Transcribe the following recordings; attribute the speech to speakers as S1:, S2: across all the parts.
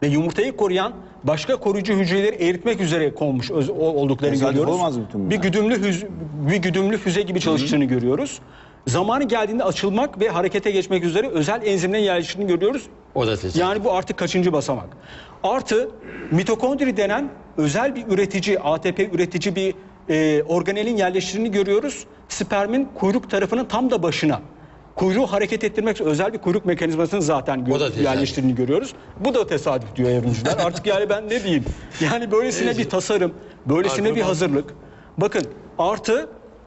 S1: ve yumurtayı koruyan başka koruyucu hücreleri eritmek üzere konmuş olduklarını görüyoruz.
S2: Olmaz mı bütün bunlar?
S1: Bir güdümlü füze gibi çalıştığını görüyoruz. Zamanı geldiğinde açılmak ve harekete geçmek üzere özel enzimlerin yerleştiğini görüyoruz.
S3: O da tesadüf.
S1: Yani bu artık kaçıncı basamak? Artı mitokondri denen özel bir üretici, ATP üretici bir organelin yerleştiğini görüyoruz. Spermin kuyruk tarafının tam da başına. Kuyruğu hareket ettirmek için özel bir kuyruk mekanizmasını zaten yerleştirdiğini görüyoruz. Bu da tesadüf diyor evrimciler. Artık yani ben ne diyeyim? Yani böylesine bir tasarım, böylesine bir hazırlık. Bakın artı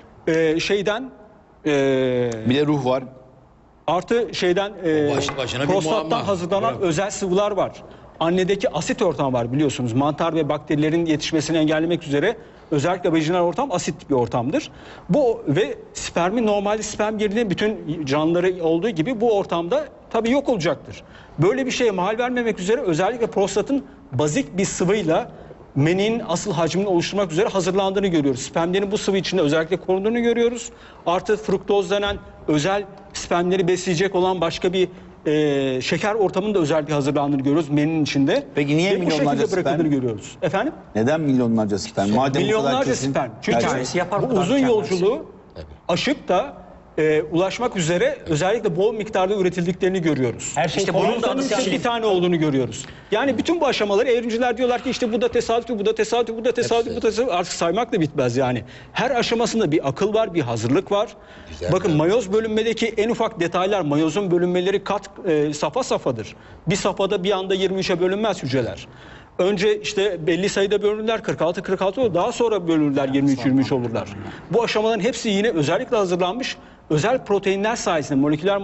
S2: bir de ruh var.
S1: Artı prostattan hazırlanan özel sıvılar var. Annedeki asit ortam var biliyorsunuz. Mantar ve bakterilerin yetişmesini engellemek üzere özellikle vajinal ortam asit bir ortamdır. Bu ve spermin normalde sperm yerine bütün canlıları olduğu gibi bu ortamda tabii yok olacaktır. Böyle bir şeye mahal vermemek üzere özellikle prostatın bazik bir sıvıyla meninin asıl hacmini oluşturmak üzere hazırlandığını görüyoruz. Spermlerin bu sıvı içinde özellikle korunduğunu görüyoruz. Artı fruktoz denen özel spermleri besleyecek olan başka bir şeker ortamının da özel bir hazırlandığını görüyoruz meninin içinde.
S2: Peki niye milyonlarca
S1: sperm görüyoruz? Efendim?
S2: Neden milyonlarca sperm? Madem
S1: milyonlarca sperm. Çünkü bu uzun yolculuğu aşıp da ulaşmak üzere özellikle bol miktarda üretildiklerini görüyoruz.
S4: Her şey
S1: işte bunun da bir tane olduğunu görüyoruz. Yani bütün bu aşamaları evrimciler diyorlar ki işte bu da tesadüf, bu da tesadüf, bu da tesadüf, bu da tesadüf. Artık saymak da bitmez yani. Her aşamasında bir akıl var, bir hazırlık var. Güzel. Bakın mayoz bölünmedeki en ufak detaylar, mayozun bölünmeleri safa safadır. Bir safhada bir anda 23'e bölünmez hücreler. Önce işte belli sayıda bölünürler, 46 olur. Daha sonra bölünürler, 23 olurlar. Bu aşamaların hepsi yine özellikle hazırlanmış özel proteinler sayesinde moleküler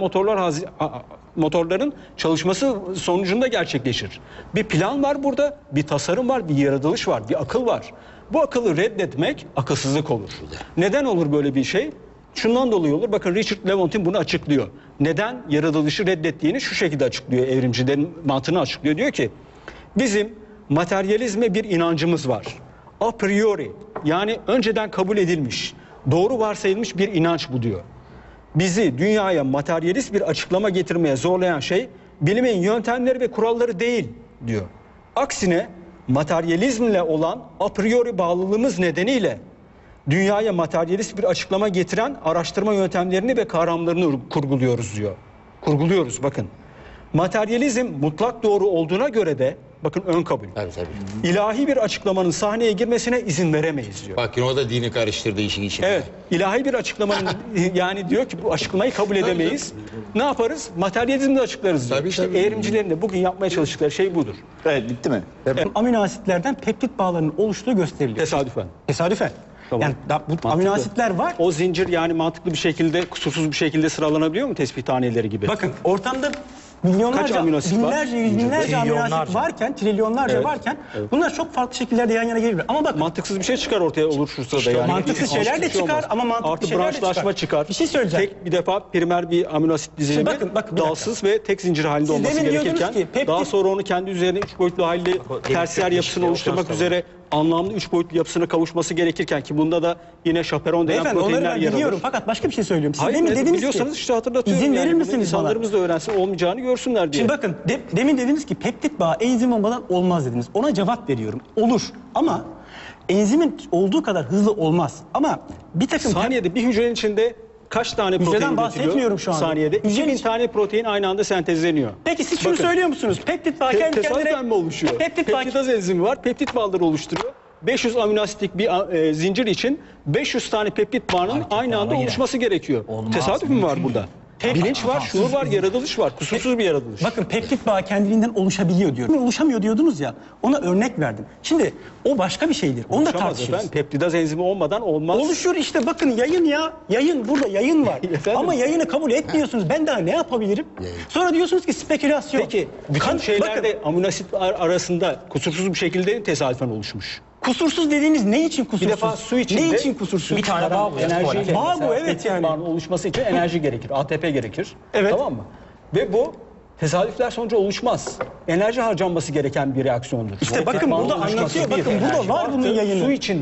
S1: motorların çalışması sonucunda gerçekleşir. Bir plan var burada, bir tasarım var, bir yaratılış var, bir akıl var. Bu akıllı reddetmek akılsızlık olur. Neden olur böyle bir şey? Şundan dolayı olur. Bakın Richard Lewontin bunu açıklıyor. Neden yaratılışı reddettiğini şu şekilde açıklıyor. Evrimcilerin mantığını açıklıyor. Diyor ki bizim materyalizme bir inancımız var. A priori yani önceden kabul edilmiş, doğru varsayılmış bir inanç bu diyor. Bizi dünyaya materyalist bir açıklama getirmeye zorlayan şey bilimin yöntemleri ve kuralları değil diyor. Aksine materyalizmle olan a priori bağlılığımız nedeniyle dünyaya materyalist bir açıklama getiren araştırma yöntemlerini ve kavramlarını kurguluyoruz diyor. Kurguluyoruz bakın. Materyalizm mutlak doğru olduğuna göre de bakın ön kabul.
S3: Tabii.
S1: İlahi bir açıklamanın sahneye girmesine izin veremeyiz diyor.
S3: Bakın o da dini karıştırdı işin içine.
S1: Evet. İlahi bir açıklamanın yani diyor ki bu açıklamayı kabul edemeyiz. Ne yaparız? Materyalizmle açıklarız diyor. İşte evrimcilerin de bugün yapmaya çalıştıkları şey budur.
S2: Evet, bitti mi?
S4: Amino asitlerden peptit bağlarının oluştuğu gösteriliyor.
S1: Tesadüfen.
S4: Tesadüfen.
S1: Tamam.
S4: Yani bu amino asitler var.
S1: O zincir yani mantıklı bir şekilde, kusursuz bir şekilde sıralanabiliyor mu tespih taneleri gibi?
S4: Bakın ortamda milyonlarca,
S1: amino asit var?
S4: binlerce, yüz binlerce amino asit varken, trilyonlarca varken bunlar çok farklı şekillerde yan yana gelebilir. Ama bakın
S1: mantıksız bir şey çıkar ortaya olursa da yani.
S4: mantıksız şeyler de çıkar ama mantıklı
S1: artı
S4: şeyler de
S1: branşlaşma çıkar.
S4: Bir şey söyleyeceğim.
S1: Tek bir defa primer bir amino asit dizilimi
S4: bakın, bir
S1: dalsız ve tek zincir halinde
S4: Siz
S1: olması
S4: demin diyordunuz
S1: gerekirken
S4: ki
S1: daha sonra onu kendi üzerine 3 boyutlu halde tersiyer yapısını oluşturmak üzere anlamlı 3 boyutlu yapısına kavuşması gerekirken ki bunda da yine şaperon denen
S4: Beyefendi onları
S1: proteinler
S4: ben
S1: yer
S4: biliyorum
S1: alır.
S4: fakat başka bir şey söylüyorum. Siz
S1: Hayır,
S4: demin dediniz
S1: biliyorsanız
S4: ki
S1: işte hatırlatıyorum.
S4: izin
S1: yani.
S4: verir misiniz bana?
S1: İnsanlarımız da öğrensin olmayacağını görsünler diye.
S4: Şimdi bakın demin dediniz ki peptit bağı enzim olmadan olmaz dediniz. Ona cevap veriyorum. Olur ama enzimin olduğu kadar hızlı olmaz. Ama bir takım
S1: saniyede bir hücrenin içinde kaç tane protein üretiliyor?
S4: bahsetmiyorum şu anda.
S1: Saniyede 2000 tane protein aynı anda sentezleniyor.
S4: Peki siz şunu söylüyor musunuz? Peptit bağı kendi
S1: Tesadüfen mi oluşuyor? Peptidaz enzimi var. Peptit bağları oluşturuyor. 500 amino asitlik bir zincir için 500 tane peptit bağının aynı anda oluşması gerekiyor. Tesadüf mü var burada? Bilinç var, şuur var, yaratılış var. Kusursuz bir yaratılış.
S4: Bakın peptit bağı kendiliğinden oluşabiliyor diyorum. Oluşamıyor diyordunuz ya. Ona örnek verdim. Şimdi o başka bir şeydir. Onu da tartışırız.
S1: Peptidaz enzimi olmadan olmaz.
S4: Oluşur işte bakın yayın ya. Yayın burada yayın var. Ama yayını kabul etmiyorsunuz. Ben daha ne yapabilirim? Sonra diyorsunuz ki spekülasyon.
S1: Peki bütün şeylerde amino asit arasında kusursuz bir şekilde tesadüfen oluşmuş.
S4: Kusursuz dediğiniz ne için kusursuz?
S1: Bir defa su içinde
S4: ne için kusursuz?
S1: Bir tane bağ bu. Enerjiyle.
S4: Bağ bu evet yani.
S1: Bağın oluşması için enerji gerekir. ATP gerekir.
S4: Evet.
S1: Tamam mı? Ve bu tesadüfler sonucu oluşmaz. Enerji harcanması gereken bir reaksiyondur.
S4: İşte bakın burada anlatıyor. Bakın burada var bunun yayını.
S1: Su içinde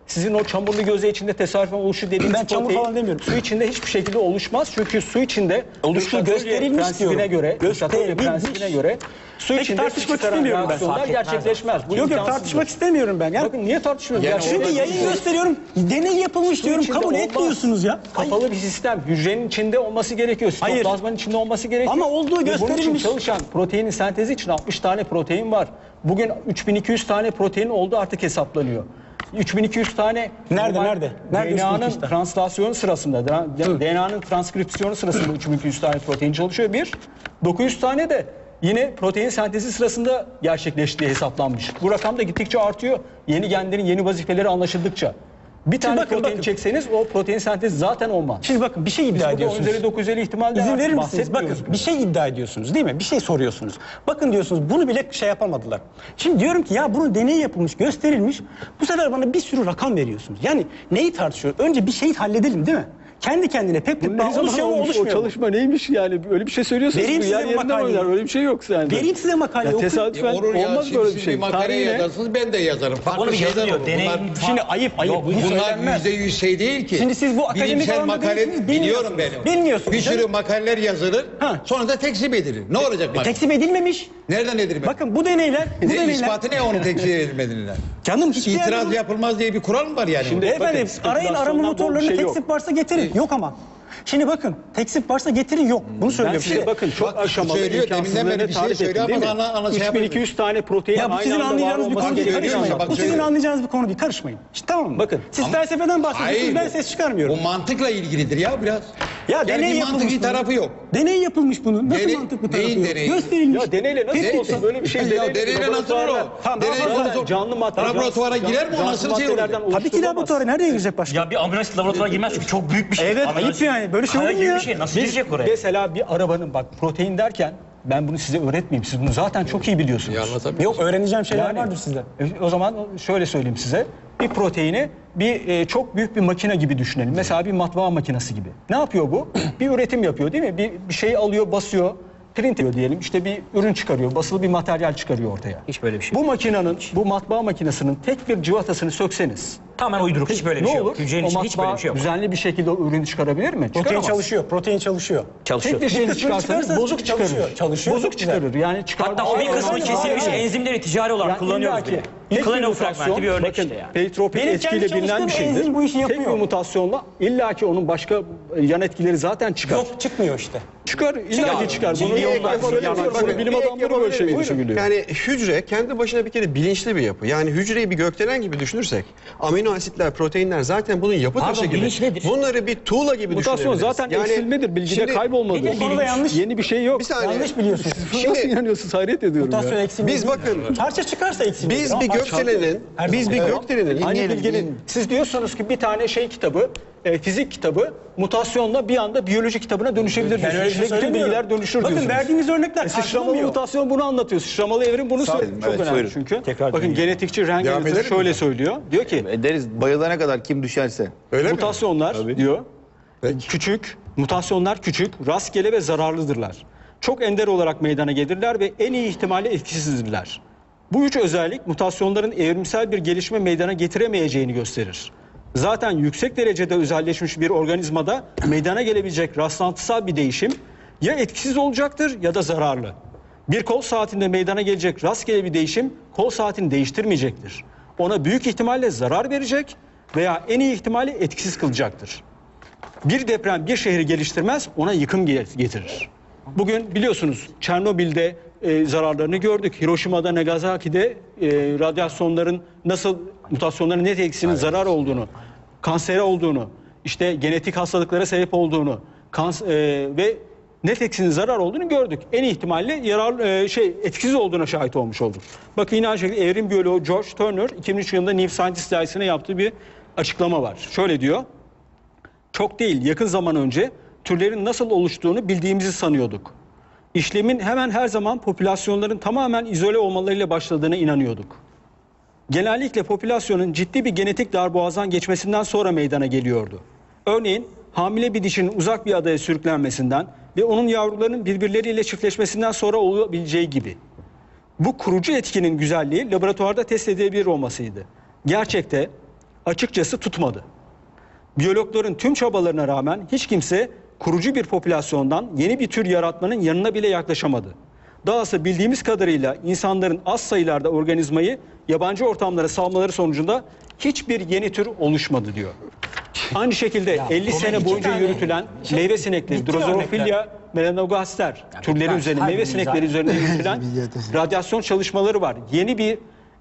S1: Sizin o çamurlu göze içinde tesadüfen oluşu dediğiniz
S4: Ben çamur
S1: protein
S4: falan demiyorum.
S1: su içinde hiçbir şekilde oluşmaz. Çünkü su içinde
S4: Oluştuğu
S1: Şatölye
S4: gösterilmiş
S1: prensibine
S4: diyorum.
S1: göre, Şatölye
S4: Gösterilmiş.
S1: prensibine göre su
S4: Peki,
S1: içinde
S4: tartışmak
S1: çıkaran
S4: istemiyorum ben.
S1: reaksiyonlar
S5: Fark etmez.
S1: gerçekleşmez. Bu
S4: Yok
S1: imkansızdır.
S4: tartışmak istemiyorum ben. Yani,
S1: Bakın niye tartışmıyoruz?
S3: Yani
S1: Gerçekten
S4: şimdi yayın gösteriyorum. Deney yapılmış diyorum.
S1: içinde
S4: Kabul
S1: olmaz.
S4: etmiyorsunuz ya.
S1: Kapalı bir sistem. Hücrenin içinde olması gerekiyor.
S4: Hayır.
S1: Sitoplazmanın içinde olması gerekiyor.
S4: Ama olduğu
S1: Ve bunun için
S4: gösterilmiş.
S1: çalışan proteinin sentezi için 60 tane protein var. Bugün 3200 tane protein oldu artık hesaplanıyor. 3200 tane
S4: Nerede,
S1: normal
S4: nerede? Nerede
S1: DNA'nın
S4: 3200 tane?
S1: translasyonu sırasında, DNA'nın transkripsiyonu sırasında 3200 tane protein çalışıyor. 900 tane de yine protein sentezi sırasında gerçekleştiği hesaplanmış. Bu rakam da gittikçe artıyor. Yeni genlerin yeni vazifeleri anlaşıldıkça. Bir tane protein çekseniz o protein sentezi zaten olmaz.
S4: Şimdi bakın bir şey iddia
S1: Burada 10
S4: ediyorsunuz.
S1: üzeri 950 ihtimal
S4: İzin verir misiniz?
S1: bahsetmiyoruz
S4: Bakın
S1: bile.
S4: bir şey iddia ediyorsunuz değil mi? Bir şey soruyorsunuz. Bakın diyorsunuz bunu bile şey yapamadılar. Şimdi diyorum ki ya bunun deneyi yapılmış, gösterilmiş. Bu sefer bana bir sürü rakam veriyorsunuz. Yani neyi tartışıyoruz? Önce bir şeyi halledelim değil mi? Kendi kendine peptit
S1: Ne
S4: bağ
S1: zaman
S4: oluşuyor mu
S1: olmuş o
S4: oluşmuyor mu?
S1: çalışma neymiş yani öyle bir şey söylüyorsanız
S4: Vereyim
S1: bu
S4: size
S1: yer
S4: bu
S1: yerinden
S4: makaleyi.
S1: oynar öyle bir şey yok sende.
S4: Vereyim size makaleyi,
S1: Ya
S4: okuyun.
S1: tesadüfen
S3: Olur ya,
S1: olmaz
S3: şimdi
S1: böyle
S3: siz
S1: bir şey.
S3: bir makale
S1: Tarihine-
S3: yazarsınız, ben de yazarım. Farklı
S5: Onu bir
S3: şeyler
S5: yazıyor.
S3: olur.
S5: Deney
S3: Bunlar,
S4: Şimdi ayıp. Bu
S3: bunlar
S4: söylenmez.
S3: %100 şey değil ki.
S4: Şimdi siz bu akademik
S3: bilimsel
S4: alanda
S3: makale
S4: değilsiniz,
S3: biliyorum
S4: bilmiyorsunuz.
S3: ben.
S4: Bilmiyorsunuz
S3: Bir sürü
S4: canım.
S3: makaleler yazılır.
S4: Ha.
S3: Sonra da tekzip edilir. Ne olacak bak?
S4: Tekzip edilmemiş.
S3: Nereden edilmez?
S4: Bakın bu deneyler,
S3: İspatı ne onun tekzip edilmediğinden?
S4: Canım hiçbir yerde
S3: İtiraz
S4: bu-
S3: yapılmaz diye bir kural mı var yani?
S1: Şimdi-
S4: Beyefendi
S1: Bakın,
S4: arayın arama
S1: spekülasyondan
S4: motorlarını
S1: bol bir şey yok.
S4: teksip varsa getirin. Yok ama. Şimdi bakın teksip varsa getirin yok. Bunu
S1: Ben
S4: söylüyorum.
S1: size
S4: Şimdi,
S1: bakın çok
S3: Bak,
S1: aşamalı
S3: söylüyor, deminden
S1: imkansızlığını
S3: beri bir şey
S1: tarif ettim
S3: söylüyor
S1: değil mi?
S3: ama ana şey yapmıyor.
S1: 3200 tane protein
S4: ya bu
S1: aynı
S4: sizin
S1: anda var
S4: anlayacağınız bir
S1: olması
S4: konu değil.
S3: söylüyor,
S4: Karışmayın.
S3: bak
S4: Bu sizin
S3: söylüyor.
S4: anlayacağınız bir konu değil. Karışmayın. İşte, tamam mı?
S1: Bakın.
S4: Siz felsefeden bahsediyorsunuz. Ben
S3: bu-
S4: ses çıkarmıyorum.
S3: Bu mantıkla ilgilidir ya biraz.
S4: Ya
S3: Yani
S4: deney
S3: bir
S4: yapılmış
S3: mantıki
S4: bunun.
S3: tarafı yok.
S4: Deney yapılmış bunun. Nasıl
S3: Deney-
S4: mantıklı tarafı
S3: neyin
S4: yok?
S3: deneyi?
S4: Gösterilmiş.
S1: Ya deneyle nasıl
S3: Deney-
S1: olsa böyle bir şey
S3: Ya deneyle nasıl olur o?
S4: Tamam,
S3: Deney
S4: zaten
S3: konusu-
S1: canlı madde
S3: laboratuvara girer mi o nasıl şey olur?
S4: Tabii ki laboratuvara nereye girecek başka?
S5: Ya bir ambulans laboratuvara girmez çünkü çok büyük bir şey.
S4: Evet,
S5: Ambulans-
S4: ayıp yani. Böyle şey
S5: Kaya
S4: olur mu
S5: gibi
S4: ya?
S5: bir şey. Nasıl girecek oraya?
S1: Mesela bir arabanın bak protein derken ben bunu size öğretmeyeyim. Siz bunu zaten çok iyi biliyorsunuz.
S3: Ya anlatabiliyor
S4: Yok öğreneceğim şeyler
S1: Yani,
S4: vardır sizde.
S1: O zaman şöyle söyleyeyim size. Bir proteini çok büyük bir makine gibi düşünelim. Mesela bir matbaa makinesi gibi. Ne yapıyor bu? Bir üretim yapıyor değil mi? Bir şey alıyor, basıyor, print ediyor diyelim. İşte bir ürün çıkarıyor, basılı bir materyal çıkarıyor ortaya.
S5: Hiç böyle bir şey
S1: Bu
S5: yok.
S1: makinenin, bu matbaa makinesinin tek bir cıvatasını sökseniz
S5: Tamamen uyduruk. Hiç böyle bir
S1: ne
S5: şey
S1: olur?
S5: yok. Hücrenin
S1: O
S5: içinde hiç böyle
S1: matbaa
S5: bir şey yok.
S1: düzenli bir şekilde o ürünü çıkarabilir mi?
S4: Protein
S1: Çıkaramaz.
S4: çalışıyor. Protein çalışıyor.
S5: Çalışıyor.
S1: Tek bir şeyini
S4: kısmını
S1: çıkarsanız
S4: çıkarsa
S1: bozuk çıkarır.
S4: çalışıyor,
S1: Bozuk
S4: çok güzel.
S1: çıkarır. Yani çıkarmaz.
S5: Hatta o bir kısmı
S4: Aynen,
S5: kesilmiş
S4: aynen.
S5: enzimleri ticari olarak
S1: Yani
S5: kullanıyoruz
S1: illaki
S5: bile.
S1: tek bir
S5: Klonel
S1: mutasyon,
S5: fragmenti bir örnek
S1: bakın,
S5: işte yani.
S1: Peritropik
S4: Benim
S1: etkiyle
S4: kendi
S1: bilinen bir
S4: çalıştığım
S1: şeydir.
S4: enzim bu işi
S1: Tek
S4: yapıyor.
S1: bir mutasyonla illaki onun başka yan etkileri zaten çıkar.
S4: Yok çıkmıyor işte.
S1: Çıkar, illaki çıkar. Bunu bilim adamları böyle şey düşünüyor.
S6: Yani hücre kendi başına bir kere bilinçli bir yapı. Yani hücreyi bir gökdelen gibi düşünürsek amino asitler, proteinler zaten bunun yapı
S5: Pardon,
S6: taşı gibi.
S5: bilinç nedir?
S6: Bunları bir tuğla gibi
S1: Mutasyon
S6: düşünebiliriz.
S1: zaten eksilmedir, bilgide
S6: şimdi
S1: kaybolmadır.
S4: Bu konuda yanlış.
S1: Yeni bir şey yok.
S6: Bir saniye.
S4: Yanlış biliyorsunuz.
S1: Nasıl inanıyorsunuz? Hayret ediyorum
S4: Mutasyon
S1: ya.
S4: eksilmiyor.
S6: Biz bakın
S4: Parça çıkarsa eksilmiyor.
S6: biz
S4: Ama
S6: bir
S4: parça-
S6: gökdelenin
S4: Her
S6: biz
S4: zaman.
S6: bir
S4: Evet.
S6: gökdelenin
S1: Aynı bilginin, siz diyorsanız ki bir tane şey kitabı, fizik kitabı mutasyonla bir anda biyoloji kitabına dönüşebilir
S4: Ben öyle bir
S1: diyorsunuz.
S4: şey
S1: Bütün
S4: söylemiyorum.
S1: bilgiler dönüşür
S4: Bakın
S1: diyorsunuz.
S4: verdiğiniz örnekler
S1: Sıçramalı
S4: karşılamıyor.
S1: mutasyon bunu anlatıyor. Sıçramalı evrim bunu söylüyor.
S2: olun.
S1: Çok
S2: Evet,
S1: önemli
S2: buyurun.
S1: çünkü.
S4: Tekrar
S1: Bakın
S4: dinleyelim.
S1: genetikçi Range
S3: Devam edelim
S1: şöyle
S3: mi?
S1: söylüyor. Diyor ki
S2: Ederiz bayılana kadar kim düşerse.
S3: Öyle mi?
S1: mutasyonlar diyor küçük, mutasyonlar küçük, rastgele ve zararlıdırlar. Çok ender olarak meydana gelirler ve en iyi ihtimalle etkisizdirler. Bu üç özellik mutasyonların evrimsel bir gelişme meydana getiremeyeceğini gösterir. Zaten yüksek derecede özelleşmiş bir organizmada meydana gelebilecek rastlantısal bir değişim ya etkisiz olacaktır ya da zararlı. Bir kol saatinde meydana gelecek rastgele bir değişim kol saatini değiştirmeyecektir. Ona büyük ihtimalle zarar verecek veya en iyi ihtimalle etkisiz kılacaktır. Bir deprem bir şehri geliştirmez, ona yıkım getirir. Bugün biliyorsunuz Çernobil'de zararlarını gördük. Hiroşima'da, Nagasaki'de radyasyonların nasıl mutasyonların net etkisinin zarar olduğunu, kansere olduğunu, işte genetik hastalıklara sebep olduğunu ve net etkisinin zarar olduğunu gördük. En iyi ihtimalle etkisiz olduğuna şahit olmuş olduk. Bakın yine aynı şekilde evrim biyoloğu George Turner 2003 yılında New Scientist dergisine yaptığı bir açıklama var. Şöyle diyor. Çok değil, yakın zaman önce türlerin nasıl oluştuğunu bildiğimizi sanıyorduk. İşlemin hemen her zaman popülasyonların tamamen izole olmalarıyla başladığına inanıyorduk. Genellikle popülasyonun ciddi bir genetik darboğazdan geçmesinden sonra meydana geliyordu. Örneğin hamile bir dişinin uzak bir adaya sürüklenmesinden ve onun yavrularının birbirleriyle çiftleşmesinden sonra olabileceği gibi. Bu kurucu etkinin güzelliği laboratuvarda test edilebilir olmasıydı. Gerçekte açıkçası tutmadı. Biyologların tüm çabalarına rağmen hiç kimse kurucu bir popülasyondan yeni bir tür yaratmanın yanına bile yaklaşamadı. Dahası bildiğimiz kadarıyla insanların az sayılarda organizmayı yabancı ortamlara salmaları sonucunda hiçbir yeni tür oluşmadı diyor. Aynı şekilde 50 sene boyunca yürütülen meyve sinekleri, Drosophila melanogaster türleri üzerine, meyve sinekleri üzerine yürütülen radyasyon çalışmaları var. Yeni bir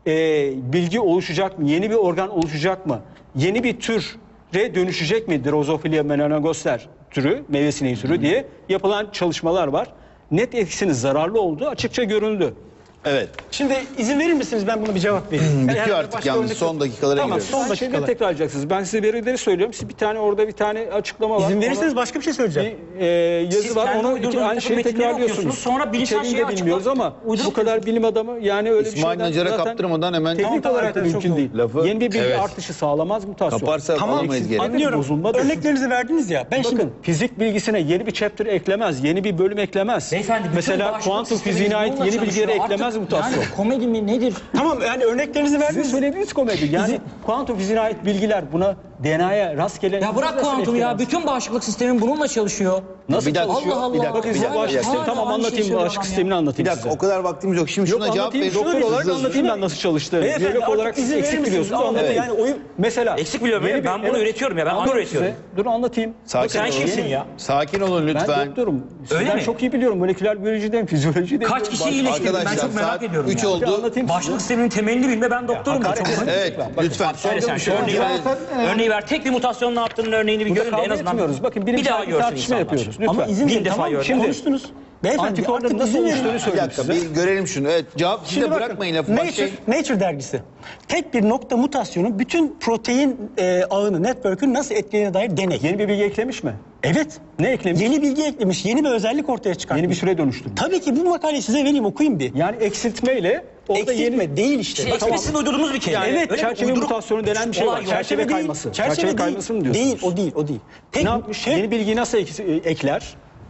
S1: bilgi oluşacak mı? Yeni bir organ oluşacak mı? Yeni bir türe dönüşecek mi? Drosophila melanogaster türü, meyve sineği türü diye yapılan çalışmalar var. Net etkisinin zararlı olduğu açıkça görüldü.
S2: Evet.
S4: Şimdi izin verir misiniz ben bunu bir cevap vereyim?
S2: Bitiyor
S4: Yani
S2: artık
S4: başka
S2: yalnız,
S4: örnek
S2: son
S4: yok.
S2: dakikalara
S4: Tamam,
S2: giriyoruz.
S4: son
S1: Son şeyleri
S4: dakikalar.
S1: tekrarlayacaksınız. Ben size verileri söylüyorum. Siz bir tane orada bir tane açıklama var.
S4: İzin
S1: Ona
S4: verirseniz başka bir şey söyleyeceğim.
S1: bir yazı
S5: Siz
S1: var.
S5: kendi
S1: Onu
S5: uydurduğunuz
S1: aynı
S5: takım
S1: şeyi
S5: metinleri
S1: tekrarlıyorsunuz.
S5: okuyorsunuz, sonra bilimsel
S1: İçeriğini
S5: şeyi
S1: de bilmiyoruz
S5: açıklayıp
S1: ama bu
S5: uydurup
S1: kadar bilim adamı yani öyle
S2: İsmail
S1: bir şeyden
S2: Nacar'a
S1: zaten
S2: kaptırmadan hemen
S1: teknik
S4: Tamam,
S1: olarak da
S4: tamam,
S1: mümkün
S4: çok
S1: değil.
S2: lafı-
S1: Yeni bir bilgi
S2: Evet.
S1: artışı sağlamaz mutasyon.
S2: Kaparsa alamayız geri.
S4: Anlıyorum.
S1: Bozulma da-
S4: Örneklerinizi verdiniz ya. Ben
S1: Bakın
S4: şimdi
S1: fizik bilgisine yeni bir chapter eklemez, yeni bir bölüm eklemez.
S5: Beyefendi, bütün
S1: Mesela
S5: bağışıklık
S1: kuantum
S5: sistemimiz
S1: fiziğine ait
S5: bununla
S1: yeni bilgileri
S5: çalışıyor.
S1: eklemez
S5: Artık
S1: mutasyon.
S5: Yani komedi mi nedir?
S4: tamam yani örneklerinizi
S1: Sizin
S4: verdiniz.
S1: söylediğiniz komedi. Yani kuantum fiziğine ait bilgiler buna DNA'ya rastgele...
S5: Ya bırak
S1: nasıl
S5: kuantum ya.
S1: etkilemez?
S5: Bütün bağışıklık sistemi bununla çalışıyor.
S1: Nasıl
S2: Bir dakika,
S1: çalışıyor?
S5: Allah Allah.
S2: bir dakika,
S1: Bakın
S2: bir
S1: size
S2: dakika,
S1: bağışıklık
S2: bir dakika.
S1: sistemi tamam
S5: Aynı şeyi
S1: anlatayım.
S5: söylüyor
S1: Bağışıklık
S5: adam ya.
S1: sistemini
S2: Bir
S1: anlatayım
S2: dakika,
S1: size.
S2: o kadar vaktimiz yok. Şimdi
S1: Yok
S2: şuna cevap
S1: anlatayım.
S2: verin.
S1: Doktor olarak
S2: Hızlı hızlı.
S1: anlatayım ben nasıl çalıştığını.
S4: Beyefendi,
S1: Biyolog
S4: artık
S1: olarak siz
S4: izin verir
S1: eksik
S4: misiniz?
S1: biliyorsunuz.
S4: Ama
S1: Anlatayım.
S4: yani oyun-
S1: Mesela.
S5: Eksik biliyorum
S1: yeni
S5: ben bunu üretiyorum ya, ben
S1: Anlatıyorum
S5: anı üretiyorum.
S1: size. Dur anlatayım.
S2: Sakin
S5: Sen
S2: olun.
S5: kimsin ya?
S2: Sakin olun
S1: Ben
S2: lütfen.
S1: doktorum.
S5: Öyle
S1: Sizden
S5: mi?
S1: çok iyi biliyorum. Moleküler biyolojiden, fizyolojiden.
S5: Kaç kişi iyileştirdim ben
S2: Arkadaşlar
S5: çok merak
S2: saat
S5: ediyorum
S2: 3
S5: ya.
S2: oldu.
S1: Anlatayım
S5: Bağışıklık
S1: size.
S5: sisteminin temelini bilme ben doktorum.
S1: hakaret
S5: Çok-
S1: etmeyin.
S2: Evet,
S1: Bakın,
S2: lütfen.
S5: Söyle sen şu örneği ver. Örneği ver. Tek bir mutasyonun ne yaptığının örneğini bir
S1: Burada
S5: görün de en
S1: kavga
S5: azından
S1: etmiyoruz. Bakın
S5: bir
S1: bilimsel
S5: daha
S1: bir
S5: görsün
S1: tartışma
S5: insanlar.
S1: yapıyoruz. Lütfen.
S4: Ama izin
S5: Bin
S4: verin
S5: defa
S4: tamam
S5: gördüm.
S1: Şimdi-
S4: konuştunuz. Beyefendi
S1: Antikorların
S4: artık
S1: nasıl
S4: izin verin.
S1: oluştuğunu
S2: Bir
S1: söyleyeyim
S2: dakika,
S1: size.
S2: bir görelim şunu. Evet, cevap siz
S4: Şimdi
S2: de
S4: bakın,
S2: bırakmayın lafı. Başlayın.
S4: Nature dergisi. Tek bir nokta mutasyonu bütün protein ağını, network'ün nasıl etkilediğine dair deney.
S1: Yeni bir bilgi eklemiş mi?
S4: Evet.
S1: Ne eklemiş?
S4: Yeni bilgi eklemiş, yeni bir özellik ortaya çıkartmış.
S1: Yeni bir süre dönüştürmüş.
S4: Tabii ki bu makaleyi size vereyim, okuyun bir.
S1: Yani eksiltmeyle orada
S4: Eksiltme
S1: yeni...
S4: değil işte.
S5: Şey,
S4: Tamam.
S5: sizin uydurduğunuz bir kelime.
S1: Yani
S5: Öyle mi?
S1: çerçeve
S5: Uyduruk-
S1: mutasyonu denen bir şey var.
S5: Olay yok.
S1: Çerçeve
S4: değil.
S1: kayması.
S4: Çerçeve
S1: Çerçeve
S4: değil.
S1: kayması mı diyorsunuz?
S4: Değil, o değil. Tek
S1: Ne yapmış?
S4: şey-
S1: Yeni bilgiyi nasıl ekler?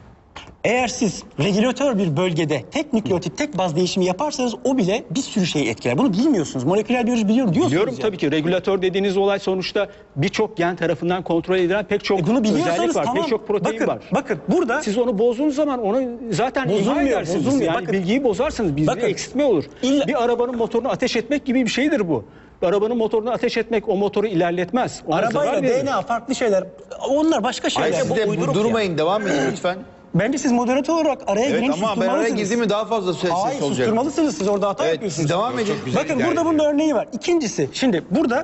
S4: Eğer siz regülatör bir bölgede tek nükleotit, tek baz değişimi yaparsanız o bile bir sürü şeyi etkiler. Bunu bilmiyorsunuz. Moleküler biyoloji biliyorum diyorsunuz.
S1: Biliyorum
S4: yani.
S1: tabii ki. Regülatör dediğiniz olay sonuçta birçok gen tarafından kontrol edilen pek çok
S4: Bunu biliyorsanız
S1: özellik var.
S4: tamam.
S1: Pek çok protein
S4: bakın,
S1: var.
S4: Bakın burada
S1: Siz onu bozduğunuz zaman onu zaten imha
S4: Bozulmuyor,
S1: edersiniz.
S4: bozulmuyor.
S1: Yani
S4: Bakın.
S1: bilgiyi bozarsınız. Bir
S4: Bakın.
S1: eksiltme olur.
S4: İlla-
S1: Bir arabanın motorunu ateş etmek gibi bir şeydir bu. Arabanın motorunu ateş etmek o motoru ilerletmez. Ona zarar
S4: arabayla
S1: verir.
S4: DNA farklı şeyler. Onlar başka şeyler.
S2: Hayır, siz de
S5: uyduruk
S2: durmayın, devam edin lütfen.
S4: Bence siz moderatör olarak araya
S2: Evet
S4: girin,
S2: ama ben araya
S4: susturmalısınız.
S2: girdiğimi daha fazla ses
S4: Hayır,
S2: olacak.
S4: susturmalısınız. Siz orada hata
S2: Evet,
S4: yapıyorsunuz.
S2: siz devam edin.
S4: Bakın burada bunun örneği var. İkincisi, şimdi burada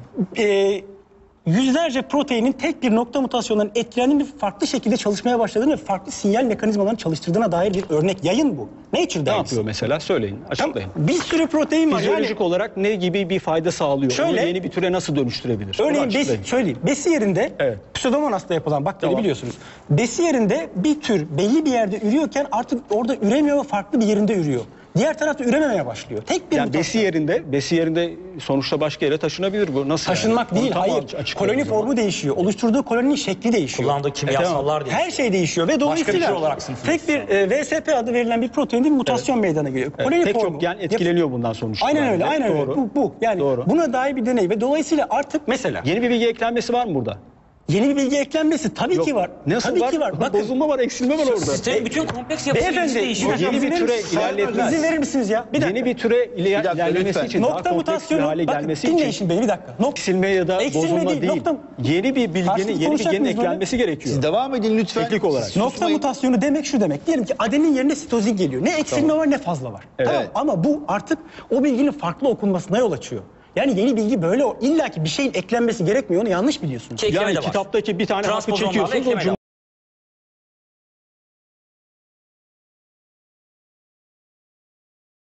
S4: yüzlerce proteinin tek bir nokta mutasyonundan etkilendiğini ve farklı şekilde çalışmaya başladığını ve farklı sinyal mekanizmalarını çalıştırdığına dair bir örnek. Yayın bu. Nature
S1: Ne
S4: dergisi.
S1: yapıyor mesela? Söyleyin, açıklayın.
S4: Bir sürü protein var.
S1: Fizyolojik olarak ne gibi bir fayda sağlıyor?
S4: Şöyle-
S1: Onu yeni bir türe nasıl dönüştürebilir? Onu
S4: Örneğin
S1: açıklayın.
S4: söyleyeyim. Besi yerinde
S1: Evet.
S4: Pseudomonas'ta yapılan bakteri
S1: Tamam.
S4: biliyorsunuz. Besi yerinde bir tür belli bir yerde ürüyorken artık orada üremiyor ve farklı bir yerinde ürüyor. Diğer tarafta ürememeye başlıyor. Tek bir
S1: Yani
S4: mutasyon.
S1: besi yerinde sonuçta başka yere taşınabilir bu. Nasıl
S4: Taşınmak
S1: yani?
S4: değil,
S1: Onu tam
S4: hayır.
S1: açıklayın
S4: Koloni
S1: o zaman.
S4: formu değişiyor. Oluşturduğu koloninin şekli değişiyor.
S5: Kullandığı kimyasallar değil.
S4: Her şey değişiyor ve dolayısıyla
S5: şey olarak sınıflıyor.
S4: tek bir VSP adı verilen bir proteinde bir mutasyon meydana geliyor. Koloni
S1: Pek
S4: formu.
S1: çok gen etkileniyor bundan sonuçta.
S4: Aynen
S1: Yani.
S4: öyle, aynen öyle.
S1: Doğru.
S4: Bu. Yani
S1: Doğru.
S4: buna dair bir deney ve dolayısıyla artık mesela
S1: Yeni bir bilgi eklenmesi var mı burada?
S4: yeni bir bilgi eklenmesi tabii ki var.
S1: Nasıl
S4: tabii
S1: var?
S4: ki var. Bakın,
S1: Bozulma var, eksilme var orada.
S5: Sistemin bütün kompleks yapısı
S4: beyefendi,
S5: değişiyor.
S1: Yeni bir türe
S4: izin
S1: ilerletmez.
S4: İzin verir misiniz ya? Bir dakika.
S1: Yeni bir türe
S2: dakika,
S1: ilerlemesi
S2: lütfen.
S1: için, daha
S4: Nokta
S1: kompleks bir
S4: mutasyonu,
S1: hale
S4: bakın
S1: gelmesi
S4: dinleyin
S1: için
S4: şimdi beni bir dakika.
S1: eksilme ya da
S4: Eksilme
S1: bozulma
S4: değil,
S1: değil.
S4: nokta-
S1: Yeni bir bilginin,
S4: Karşılıklı
S1: yeni bir
S4: konuşacak
S1: genin
S4: mıyız böyle?
S1: eklenmesi gerekiyor.
S2: Siz devam edin lütfen.
S1: Teknik olarak.
S4: Nokta
S2: Susmayın.
S4: mutasyonu demek şu demek. Diyelim ki adenin yerine sitozin geliyor. Ne eksilme var ne fazla var.
S1: Evet.
S4: Tamam, ama bu artık o bilginin farklı okunmasına yol açıyor. Yani yeni bilgi böyle illa ki bir şeyin eklenmesi gerekmiyor. Onu yanlış biliyorsunuz.
S5: Ekleme
S1: Yani
S5: de var.
S1: kitaptaki bir tane harfi
S5: Transpozonlarla
S1: çekiyorsunuz, o
S5: ekleme de var.